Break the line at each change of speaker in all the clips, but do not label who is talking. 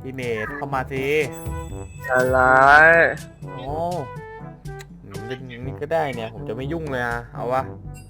พี่เนทเข้ามาสิ
อะไร
โอ้เป็นอย่างนี้ก็ได้เนี่ยผมจะไม่ยุ่งเลยอะเอาวะ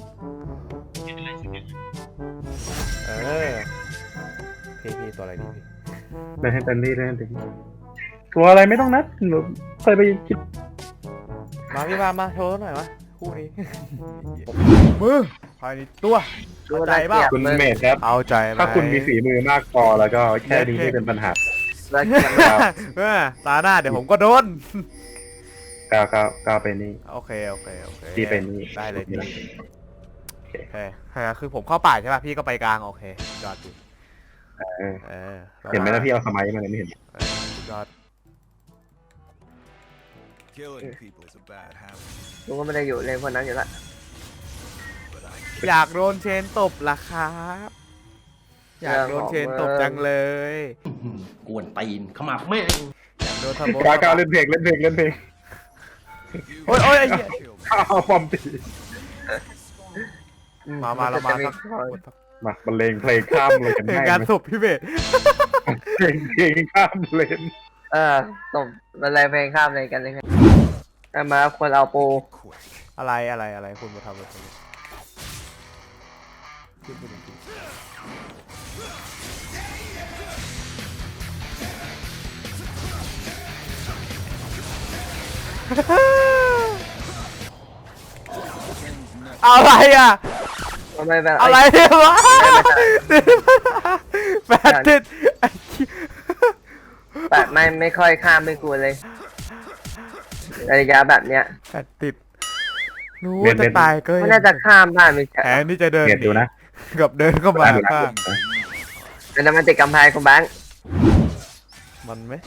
เออพี่ตัวอะไรดีพี่
เล่นให้เต็มที่เล่นให้เต็มที่ตัวอะไรไม่ต้องนัดหนูเคยไปคิด
มาพี่มาโชว์หน่อยวะคู่นี้ มือภายในตัวเข้าใจเปล่า
คุณเมธครับ
เอาใจไหม
ถ้าคุณมีฝีมือมากพอแล้วก็แค่นี้ไม่เป็นปัญหา
แล้วเกียร์
ตาหน้าเดี๋ยวผมก็โดน
ก้าวไปนี่
โอเค
พี่ไปนี่
ได้เลยพี่
โอเค
โอเคคือผมเข้าป่าใช่ป่ะพี่ก็ไปกลางโอเคยอดดี
เห็นไหมนะพี่เอาสมัยมาเลยไม่เห็น
ยอด
Killing people is a bad habit,
กูก็ไม่ได้อยู่ในคนนั้นอยู่ละ
but I
อยากโดนเชนตบล่ะครับอยากโดนเชนตบจังเลย
กวนตีนเข้ามาแม่ง
อยากโดนทำโบ
ก้าวเล่นเพลง
โอ้ยไอ้เหี้ย
ข้าวปอมตี
มาเรามาสัก
มาบรรเลงเพลงข้ามเลยกัน
เพลง
ง่าย
การศพพี่เบส
เพลงข้ามเลน
ตบอะไรเพลงข้ามเลยกันเลยแต่มาควรเอาปู
quit.
อะไรคุณมาทำอะไรอะไรอ่ะ
ทำไมแบบ
อะไรเนี่ยวะแปดติด
แบบไม่ค่อยข้ามไม่กลัวเลยระยะแบบเนี้ย
แปดติดรู้จะตายก็
ไม่น่าจะข้ามได้ไม่ใช่
แผนที่จะเดิน
เห็นดูนะ
กับเดินเข้ามาค่ะ
แต่มันติดกำแพงคุณแบงค์
มันไหม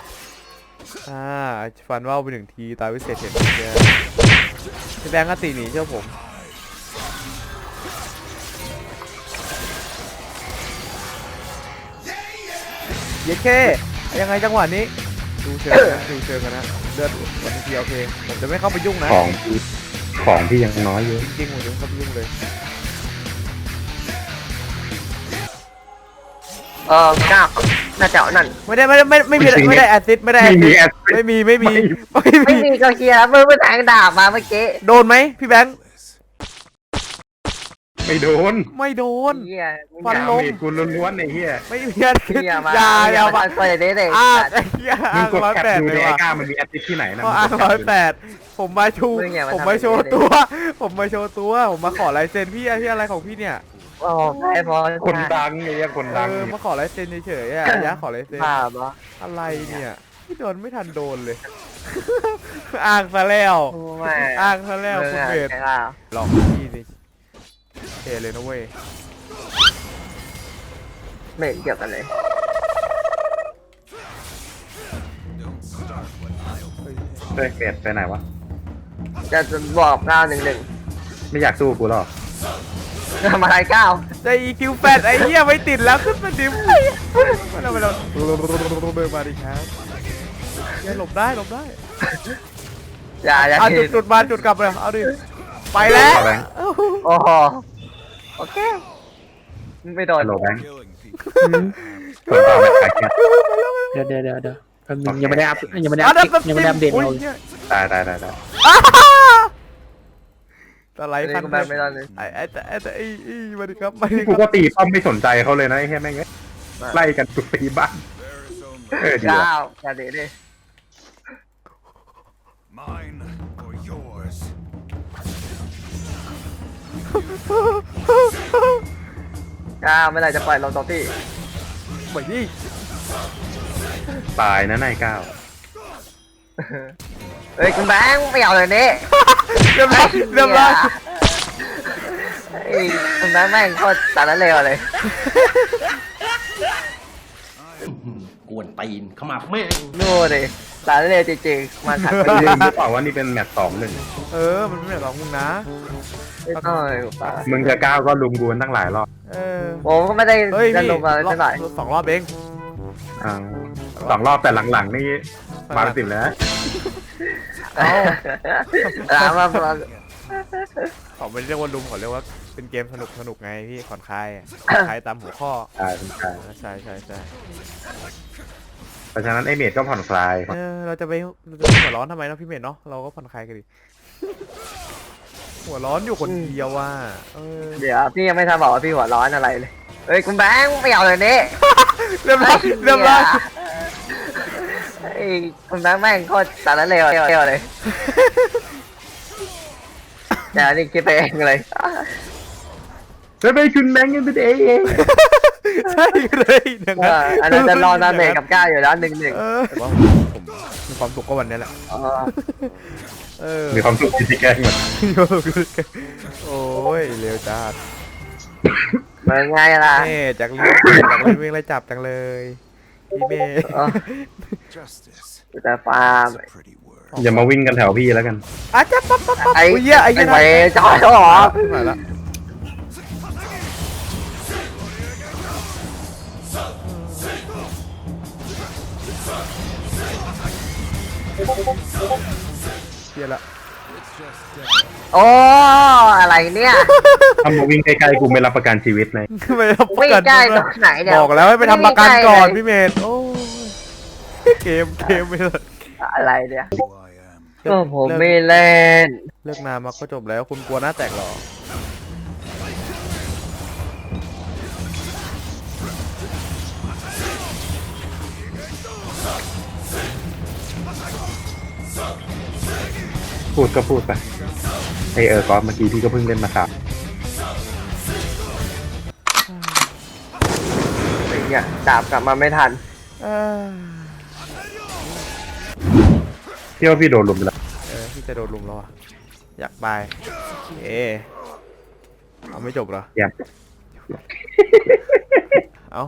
ฟันว่าวไป1 ทีตายวิเศษเห็นเจอพี่แบงค์ก็ตีหนีเชื่อผมเย้เคยังไงจังหวะนี้ดูเชิงกันนะเลือดวันทีโอเคผมจะไม่เข้าไปยุ่งนะ
ของที่ยังน้อยอยู่
จริงๆผมจะไม่เข้าไปยุ่งเลย
ก้าวน่าจะนั่น
ไม่ได้แอสซิสไม่ได้แอสซิสไม่มี
ไม่มีก็เคลียร์มือแทงดาบมาเมื่อกี้
โดนไหมพี่แบงค์
ไม่โดน
ไม่โดน
เฮีย
ฟันลง
เมธกูล้วนๆไอ้เหี้ย
ไม่มีแอสซิส
เฮียมา
อย่า
มาคนอย่างนี้เลย
ไอ้เหี้ย
มึงกด
ร้อย
แคป
แปด
ดู
เล
ใน
ย
ไอ้
ว่ะ
ก้ามันมีแอปที่ไหนนะ
เพราะ108ผมมาชูผมมาโชว์ตัว ผมมาขอลายเซ็นพี่อะไรของพี่เนี่ย
โอ้ใช่พอ
คนดังไอ้เหี้ยคนดัง
มาขอลายเซ็นเฉยๆอ่ะยะขอลายเซ็น
ภาพเหรอ
อะไรเนี่ยพี่โดนไม่ทันโดนเลย อ้างซะแล้ว
ไม่
อ้างซะแล้วคุณเบส
ใช่ป่ะ
หลอกพี่สิเทเลยนะเว้ย
ไม่เกี่ยวกันเลย
Don't start what I'll
เฮ้ยเมธไปไหนวะ
จะบอก911
ไม่อยากสู้กูหรอก
ทำอะไรก้าว
จะ EQ แฟดไอ้เหี้ยไม่ติดแล้วขึ้นมาดิมมาเราเดินมาดิครับอย่าหลบได้
อย่า
เอา
ผิด
จุดมาจุดกลับเลยเอาดิไปแล้ว
โอ้โหโอเคไม่โดน
ฮัลโหลแบงค์
killing people.
ส่วนต่อไปขายแค่
เดี๋ยวแป๊บนึงยังไม่ได้อัปยังไม่ได้
อ่ะ
อัปยังไม่ได้อัปเดต
โอ้ย
เรา
หี้ย
ได้
ตะไลคัน
ไม่ไม่โดนเลย
ไอ้มาดิครับ
กูก็ตีป้อมไม่สนใจเขาเลยนะไอ้เหี้ยแม่งไล่กันตุกตีบ้าน
There is only
ดีว่ะ
ก้าวอย่าเด็ดดิ
mine or yours.
ก้าวไม่ไรจะปล่อยลงตรงที่
เหมือนนี่
ตายนะนายก้าว
เฮ้ยคุณแบงค์ไม่เอาเลยนี่
เรียบร้อย
เฮ้ยคุณแบงค์แม่งโคตรสารเลวเลย
กวนตีนเข้ามาแม่ง
นู่นดิสารเลวจริงๆมาขัด
ไม่ลืมหรือเปล่าว่านี่เป็นแมตช์2-1
มันไม่แบบมึงนะ
ไม่ต้องเลยป่ะ
มึงกับก้าวก็ลุมกูกันตั้งหลายรอบ
ผมก็ไม่ได้
เฮ้ย
จะ
พี่
ลงมาเท่าไหร่
2 รอบเอง
อ่า2 รอบแต่หลังๆนี่มาเป็น10แล้วนะ
ถามว่า
เขาไม่เรียกว่าลุมเขาเรียกว่าเป็นเกมสนุกไงพี่ผ่อนคลายตามหัวข้อ
ตายเป็นตาย
ใช่
เพราะฉะนั้นไอเมดก็ผ่อนคลาย
เราจะไปหัวร้อนทำไมเนาะพี่เมธเนาะเราก็ผ่อนคลายกันดิหัวร้อนอยู่คนเดียวว่ะ
เดี๋ยวพี่ยังไม่ทันบอกว่าพี่หัวร้อนอะไรเลยเฮ้ยคุณแบงค์ไม่เอาเลยนี่
เรียบร้อย
ไอ้คุณแบงค์แม่งโคตรสารเลวเลยเดี๋ยวนี่คิดไปเองเลย
แล้วไปคุณแบงค์กันเป็นเอง
ใช่เลยอย่างนั้น
อันนั้นจะรอดาเมจกับก้าวอยู่แล้ว1-1
แต่ว่าผมมีความสุขก็วันนี้แหละ
มีความสุขที่แกล้งมัน
โอ้ยเร็วจัด
มันง่ายล่ะ
เม่จากเล่นวิ่งไล่จับจังเลยพี่เม่
Justice
แต่ฟาร์ม
is a pretty word.
อย่ามาวิ่งกันแถวพี่แล้วกัน
อาจจะปั๊บ
ไอ้
เหี้ยไอ้
ไอ้
เหี้ย
ไปจอยเขาหรอ
มาละเหี้ยละ
โอ้อะไรเนี่ย
ถ้ามาวิ่งใกล้ๆกูไม่รับประกันชีวิตเลย
ไม่รับประ
วิ่ง
กัน
ใกล้ตรงไหนเนี่ย
บอกแล้วให้ไปทำประกันก่อนพี่เมธโอ้ยเกมไปเลย
อะไรเนี่ย
Who I am.
ก็ผมไม่เล่น
เลิกนานมาก็จบแล้วคุณกลัวหน้าแตกหรอ
พูดก็พูดไปก๊อฟเมื่อกี้พี่ก็เพิ่งเล่นมาครับ
ไอ้เนี่ยดาบกลับมาไม่ทัน
พี่ว่าพี่โดนลุมไปแล้ว
พี่จะโดนลุมแล้วอ่ะอยากไปเอาไม่จบเหรอ
อย่า
เอา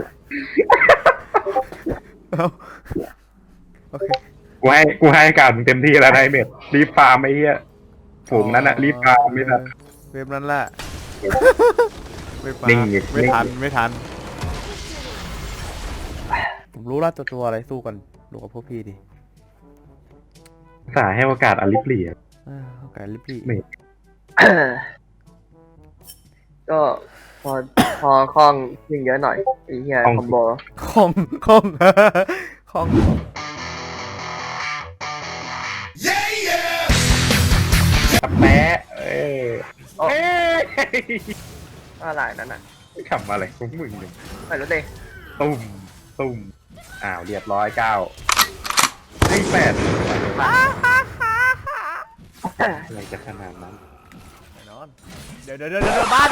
โอเค
กูให้การมึงเต็มที่แล้วนะไอเมดรีบฟาร์มไอ้เหี้ยฝูงนั้นอะรีบฟาร์มไม่ทัน
เว็บนั้นแหละไม่มา
นิ่งอยู่
ไม่ทันผมรู้แล้วตัวอะไรสู้กันดูกับพวกพี่ดิ
สาให้โอกาสอลิฟลีอะ
โอเคลิปปี้
ไม่
ก็พอคล่องยิ่งเยอะหน่อยไอ้เหี้ยคอมโบ
ของ
แปะ
อะไรนั่นน่ะ
ขำอะไรของมึงเนี่ย
ไม่รู้ดิ
ตุ้มอ้าวเรียบร้อย9วิ่ง8อะไรจะขนาดนั้น
แน่นอนเดี๋ยวบ้าน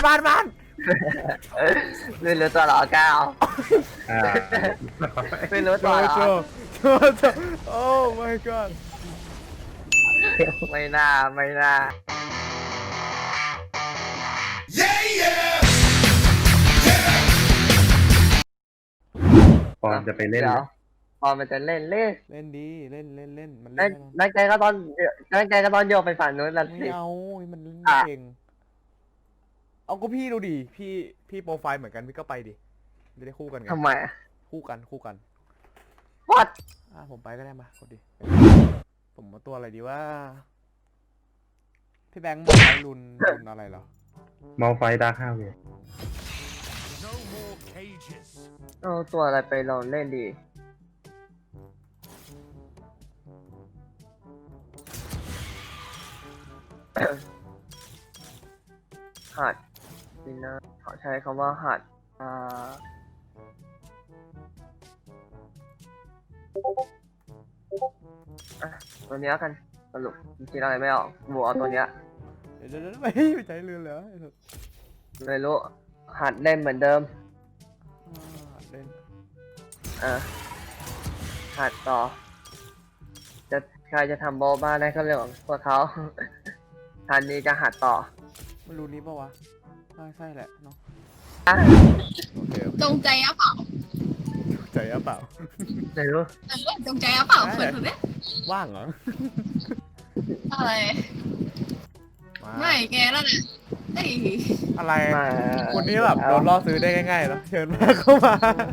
ไม่รู้ตัวหรอก้าว
อ่า
ไม่รู้ตัวหรอ
โอ้ my god
ไม่น่า
ปอนจะไปเล่น
เดี๋ยวพอมันจะเล่น
เล่นดีเล่นมันเล่น
นักใจก็ตอนโยกไปฝั่งนู้นแล้ว
ไม่
สิ
เอามันเล่นเก่งเอาก็พี่ดูดิพี่โปรไฟล์เหมือนกันพี่ก็ไปดิจะได้คู่กันไง
ทำไม
คู่กัน
วัด
ผมไปก็ได้มากดดิผมมาตัวอะไรดีว่าพี่แบงค์บอกว่ารุนอะไรเหรอ
มอลไฟดาร์ค5เว
No more cages.
เอาตัวอะไรไปลองเล่นดีหัดนี่นะขอใช้คำว่าหัดตัวเนี้ยกันสรุปคิดอะไรไม่ออกบัวเอาตัวเนี้ย
เดี๋ยวไม่ใจเรือนเหรอ
ไม่รู้หัดเล่นเหมือนเดิม
เล่น
หัดต่อใครจะทำโบบ้านได้ก็เรื่องของพวกเขา ทันนี้จะหัดต่อ
ไม่รู้นี้ปะวะใช่แหละเนาะ โอเค
จงใจอะเปล่า
ใจอะเปล่า
ไม่รู้
จงใจอะเปล่าเปิดถูกไหม
ว่างเหรอ
อะไร
มา
ไม่แกแล้วนะเอ้ย
อะไร
มา
คนนี้แบบโดนล่อซื้อได้ง่ายๆเนาะเชิญมาเข้ามา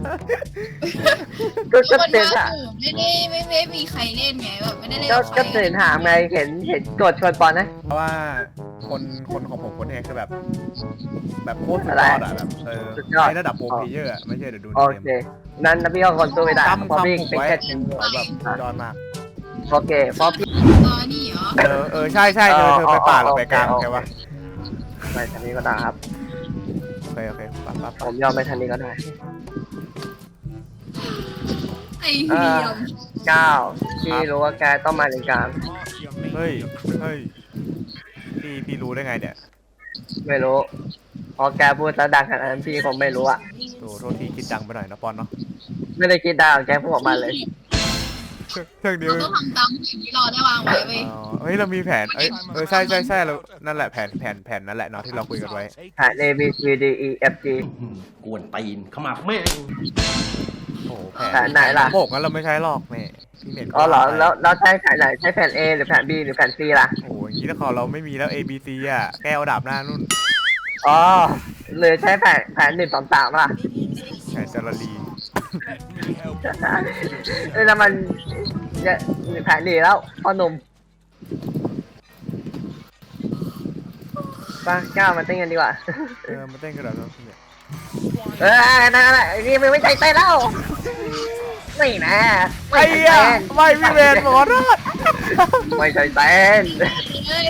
ก็
คน
ตื่น
ว่า
ถาม
ไม่มีใครเล่นไงแบบไม่ได้เล่น
ก็
กับใคร
ตื่นถามไงเห็นกดชวนปอนนะ
เพราะว่าคนของผมคนเองคือแบบโคตรสุดยอดอะแบบในระดับโปรเพลเยอร์อะไม่ใช่เดี๋ยวดูใน
โอ
เก
เค
ม
นั้นนะพี่ก็คนสู้ไม่ได้
จำ
เพราะพี่
ผม
เป็น
ไว้
แค่
แบบสุดยอดมาก
โอเคเพราะพี่
นี่เหรอ
ใช่เธอไปป่าหรือไปกลางโอเควะ
ไปทางนี้ก็ได้ครับ
โอเคปั๊บ
ผมยอมไปทางนี้ก็ได้
ไอ้เหี้ยม
9พี่รู้ว่าแกต้องมาในกลาง
เฮ้ยพี่รู้ได้ไงเนี่ย
ไม่รู้พอแกพูดแล้วดังขนาดนั้นพี่คงไม่รู้อะ
โทษทีคิดดังไปหน่อยนะปอนเนาะ
ไม่ได้คิดดังแกพูดออกมาเลย
เรื่องนี้
เราต้องทำตามสิ่งที่เราได้วางไว้เว้ย
เฮ้ยเรามีแผนใช่เรานั่นแหละแผนนั่นแหละเนาะที่เราคุยกันไว้
แผน A B C D E F G
กวนตีนขมับแม่ง
โอ้โห
แผนไหนล่ะ
โบกงั้นเราไม่ใช้หรอกนี่พี่เม็ด
อ๋อเหรอแล้วใช้แผนไหนใช้แผน A หรือแผน B หรือแผน C ล่ะ
โอ้โหอย่างนี้ถ้าเราไม่มีแล้ว A B C อ่ะแก้วดาบหน้านู่น
อ๋อหรือใช้แผน1 2 3ล่ะ
แผนจารี
แล้วมันแผนดีแล้วพ่อหนุ่มป้าก้าวมาเต้นกันดีกว่า
มาเต้นกันหน่อยนะพี่เนี่ย
นั่นแหละนี่ไม่ใจเต้นแล้วนี่นะไม่
ไอ้
ใจ
อะ
เต้น
ไม่พี่เมนขอโทษ
ไม่ใจเต้น
เอ้ย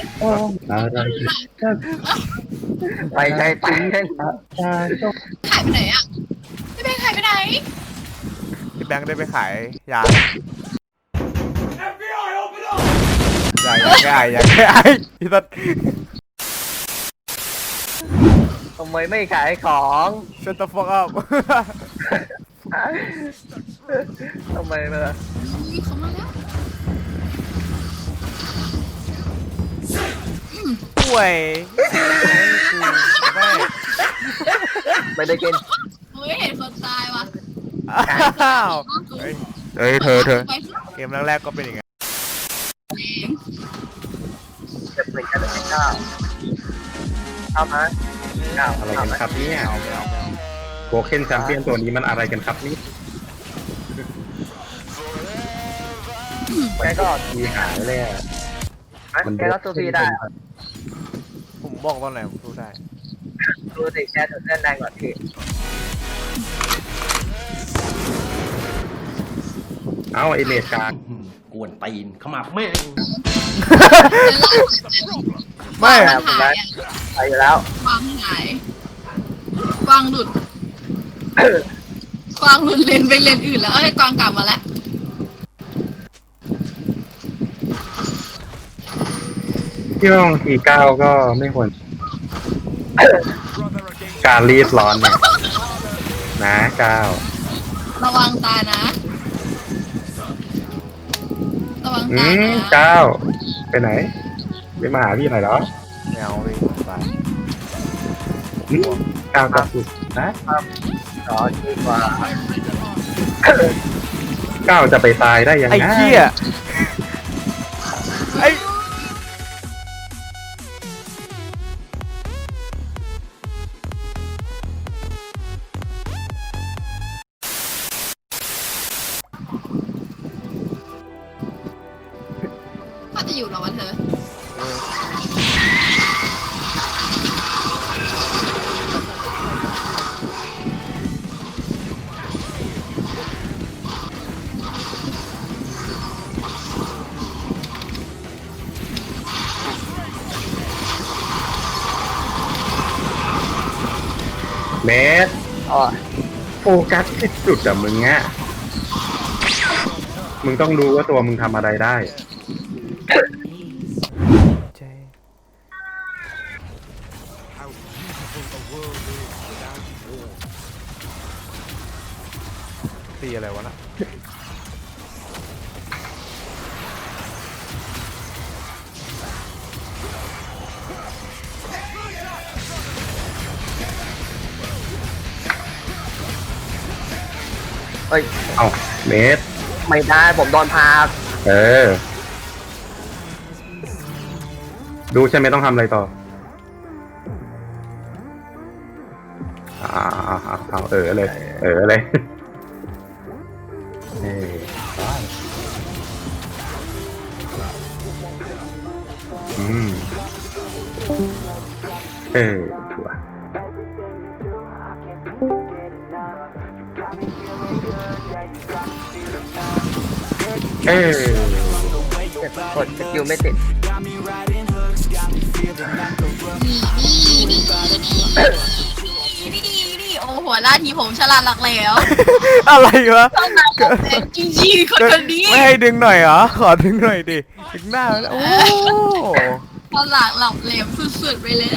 ไม่ใจเต้น
หายไปไหนอ่ะพี่แบงค์หายไปไหน
พี่แบงค์ได้ไปขายยา
FBI, open up!
อย่าแก้ไอพี่ตัด
ทำไมไม่ขายของ
Shut the fuck up
ทำไมมา
อุ้ยเขามาแล้ว
ป่วยไม่
ไม่ได้กิน
เฮ้ยเห็นคนตายว่ะ
อ้าวเฮ้ยเธอ
ไป
เกมแรกๆก็เป็นอย่างไง
เก็บหนึ่งกันเลยเก้าเข้ามาเก้า
อะไรกันครับเนี่ย
ไม่เอา
โบเคนแชมเปี้ยนตัวนี้มันอะไรกันครับนี่
แกก็
มีหายเลยอ่ะ
แกก็ตัวพีได้
ผมบอกตอนไหนผมสู้ได้
ดูสิแกถึงเล่นแรงกว่าพี่
เอ้าไอเนตกลาง
กวนตีนขมับแม่ง
ไม่
มันหาย
ไปอยู่แล้ว
วางหาย กวางหลุด กวางหลุดเลนไปเลนอื่นแล้วเอ้ยกวางกลับมาแล้ว
ที่ว่าบางทีก้าวก็ไม่ควร
Brother against
การรีบร้อนเนี่ยนะก้าว
ระวังตายนะ ระวัง
อื
ตาย
ม
นะ
ก้าวไปไหนไปมาหาพี่หน่อยเหรอ
ไม่เอาไปไป
อืมก้าวก็สุดนะ
ขอดีกว่า
ก้าวจะไปตายได้ยังไง
ไอ้เหี้ยไอ้
ก็จะอยู่รอวันเธอ
เมส
อ๋อ
โฟกัสที่จุดอะมึงอะมึงต้องรู้ว่าตัวมึงทำอะไรได้
ใจ
how beautiful the world is without war.
ตีอะไรวะน่ะ
เฮ้ย
เอ้าเมส
ไม่ได้ผมโดนพา
เออ ดูใช่ไหมต้องทำอะไรต่อเอาเลย เลย เฮ้ยอืมชัวร์
กดสกิลไม่ติด
นี่โอ้หัวหน้าทีผมฉลาดหลักแล้ว
อะไรวะ
ต้องมาเป็นจริงๆคนนี้
ไม่ให้ดึงหน่อยเหรอ ขอดึงหน่อยดิ ดึงหน้าแล้วโอ้
ฉลาดหลับเหลวสุดๆไปเลย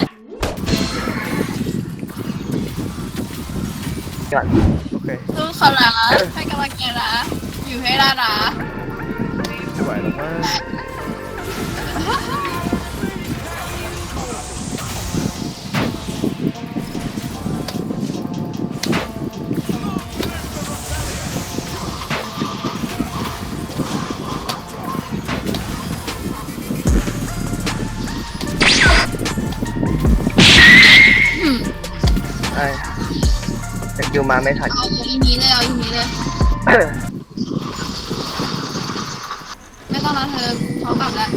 ก่อน
โอเค
สู้เขานะให้กำลังใจนะอยู่ให้ได้นะ
ไม่ไหวแล้วมั้ง
สกิลมาไม่ทัน
เอาอีนี้เลยเอาอีนี้เลยไม่ต้องนะเธอเขากลับแล้ว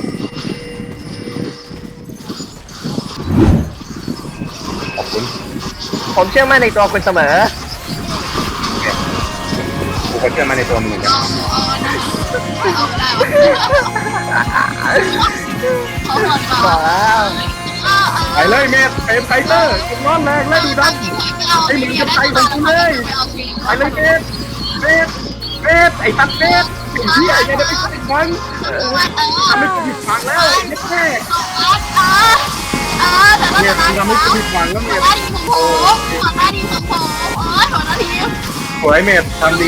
ขอบคุณ
ผมเชื่อมั่นในตัวคุณเสมอ
กูก็เชื่อมาในตัวมึงเหมือนกัน
เอาได้เขาหมดก่
บ
อ
อน กแล้ว
ไปเลยเมธเป็นไฟเตอร์ผมร้อนแรงและดูดันไอ้มึงจะไปของกูเลยไปเลยเมธไอ้ตัดเมธไอ้เหี้ยยังจะไปใส่ฟังทำให้กูผิดหวังแล้วไอ้แม่เมธทำให้กูผิดหวังแล้วเมธ
หัวหน้าทีมของผมหัวหน้าทีม
สวยเมธทำดี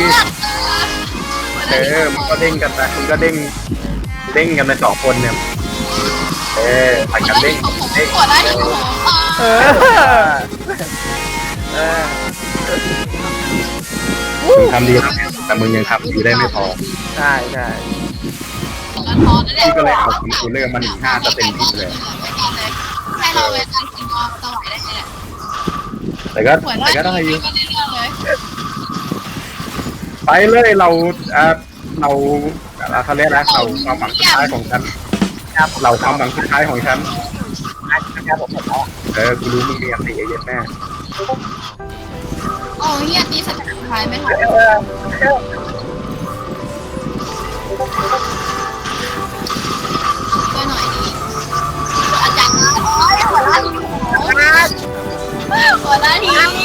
มันก็เด้งกันไปมันก็เด้งกันไปสองคนเนี่ยผัดกันเด้ง
หัวหน้าทีมของผม
เออ
มึงทำดีแล้วแต่มึงยังทำดีได้ไม่พอ
ใช่ใช่
พี่ก็เลยเอาของกูเลือกมา1.5จะเต็มที่เลย
ให้เราเวลากินก็สวายได้เลย
แต่ก็ได้อยู่
ก็ได้เรื่องเลย
ไปเลยเราเขาเรียกนะเราความหวังสุดท้ายของฉันเราความหวังสุดท้ายของฉัน
ครับผมแล้ว
กูรู้มึงมีอันตีเย็นแม่
โอ้ยอันนี้สถานท้ายไม่ทันช่วยหน่อยดิอาจารย์โอ้ยหัวหน้าทีมหัวหน้าทีม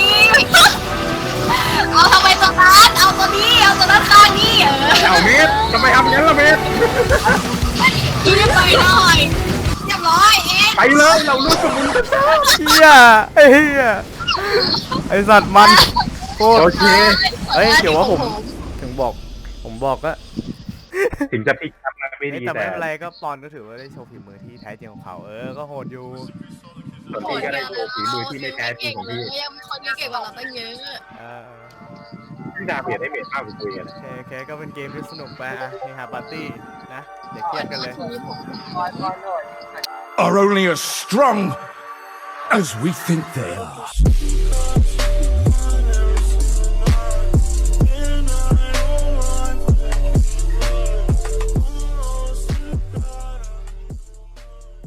เอาทำไมตรงนั้นเอาตัวนี้เอาตัวนั้นข้างนี้
เอาเมธทำไมทำงั้นล่ะเมธ
กินไปหน่อยเรียบร้อยเอง
ไปเลยเรารู้สึกมึงจะ
เฮียไอ้เฮียไอสัตว์มันโคตร
โอเค
เฮ้ยเดี๋ยวว่าผมบอกก็
ถึงจะพลิกทับนะไม่ดี
แต่
แต่
ไม่เป็นไรก็ปอนก็ถือว่าได้โชว์ฝีมือที่แท้จริงของเขาก็โหดอยู่
ส่วนพี่ก็ได้โชว์ฝีมือที่ไม่แท้จริงของพี่
ยังมีคนที่เก่งกว่าเราตั้งเยอะ
พี่ดาเบียดได้เมธมากกว่าคุยกัน
โอเคก็เป็นเกมที่สนุกไปเฮฮาปาร์ตี้นะเดี๋ยวเครียดกันเลย
Are only as strong as we think they are.